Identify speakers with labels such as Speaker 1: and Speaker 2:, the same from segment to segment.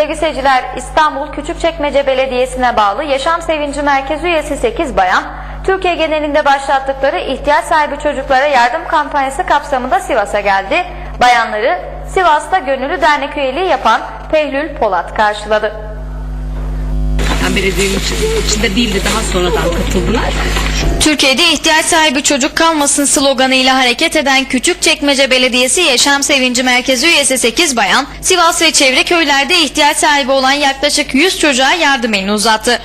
Speaker 1: Sevgili seyirciler, İstanbul Küçükçekmece Belediyesi'ne bağlı Yaşam Sevinci Merkezi üyesi 8 bayan, Türkiye genelinde başlattıkları ihtiyaç sahibi çocuklara yardım kampanyası kapsamında Sivas'a geldi. Bayanları Sivas'ta gönüllü dernek üyeliği yapan Pehlül Polat karşıladı.
Speaker 2: Belediyenin içinde değildi, daha sonradan katıldılar.
Speaker 1: Türkiye'de ihtiyaç sahibi çocuk kalmasın sloganıyla hareket eden Küçükçekmece Belediyesi Yaşam Sevinci Merkezi üyesi 8 bayan, Sivas ve çevre köylerde ihtiyaç sahibi olan yaklaşık 100 çocuğa yardım elini uzattı.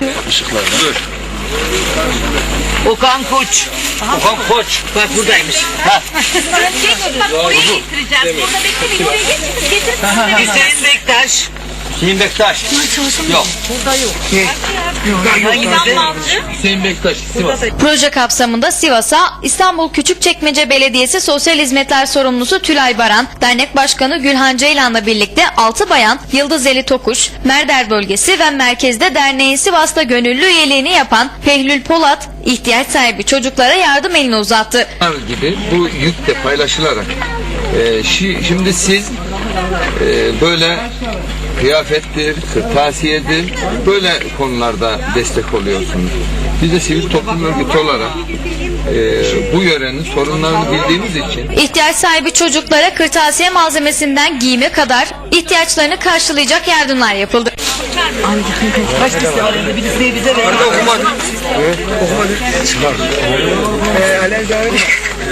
Speaker 3: Okan Koç. Okan Koç. Bak buradaymış.
Speaker 2: Bak oraya getireceğiz. Burada beklemeyin, oraya getirin.
Speaker 3: Hüseyin Bektaş. Hüseyin Bektaş. Yok.
Speaker 2: Burada yok.
Speaker 3: Hüseyin Bektaş. Sivas.
Speaker 1: Proje kapsamında Sivas'a İstanbul Küçükçekmece Belediyesi Sosyal Hizmetler Sorumlusu Tülay Baran, Dernek Başkanı Gülhan Ceylan'la birlikte 6 bayan Yıldız Eli Tokuş, Merder Bölgesi ve merkezde derneğin Sivas'ta gönüllü üyeliğini yapan Pehlül Polat, ihtiyaç sahibi çocuklara yardım elini uzattı.
Speaker 4: Gibi bu yük de paylaşılarak şimdi siz böyle kıyafettir, kırtasiyedir, böyle konularda destek oluyorsunuz. Biz de sivil toplum örgütü olarak bu yörenin sorunlarını bildiğimiz için
Speaker 1: İhtiyaç sahibi çocuklara kırtasiye malzemesinden giyime kadar ihtiyaçlarını karşılayacak yardımlar yapıldı.
Speaker 3: Kaç lise var? Bir liseyi bize ver. Arada okumadı. Evet, okumadı. Çıkar. Alen devam edin.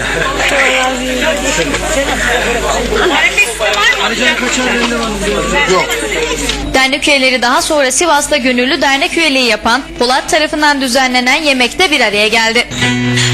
Speaker 4: yok.
Speaker 1: Dernek üyeleri daha sonra Sivas'ta gönüllü dernek üyeliği yapan Polat tarafından düzenlenen yemekte bir araya geldi.